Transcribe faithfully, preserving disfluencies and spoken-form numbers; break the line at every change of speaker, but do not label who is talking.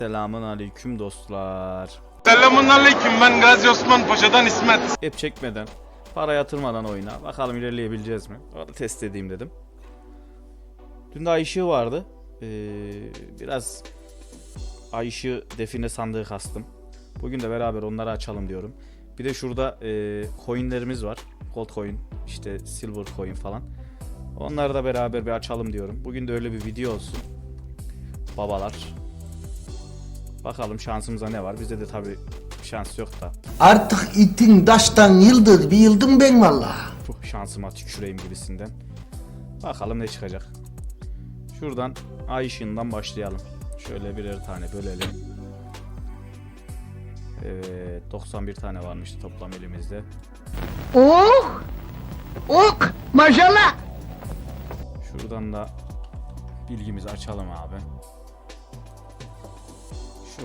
Selamun aleyküm dostlar.
Selamun aleyküm, ben Gazi Osman Paşa'dan İsmet.
Hep çekmeden, para yatırmadan oyuna. Bakalım ilerleyebileceğiz mi? Orada test edeyim dedim. Dün de ay ışığı vardı. Ee, biraz ay ışığı define sandığı kastım. Bugün de beraber onları açalım diyorum. Bir de şurada e, coinlerimiz var. Gold coin, işte silver coin falan. Onları da beraber bir açalım diyorum. Bugün de öyle bir video olsun. Babalar. Bakalım şansımıza ne var. Bizde de tabi şans yok da.
Artık itin daştan yıldır bir yıldım ben vallahi.
Puh, şansıma tüküreyim gibisinden. Bakalım ne çıkacak. Şuradan ay ışığından başlayalım. Şöyle birer tane bölelim. Evet, doksan bir tane varmıştı toplam elimizde.
Oh! Ok! Maşallah!
Şuradan da bilgimizi açalım abi.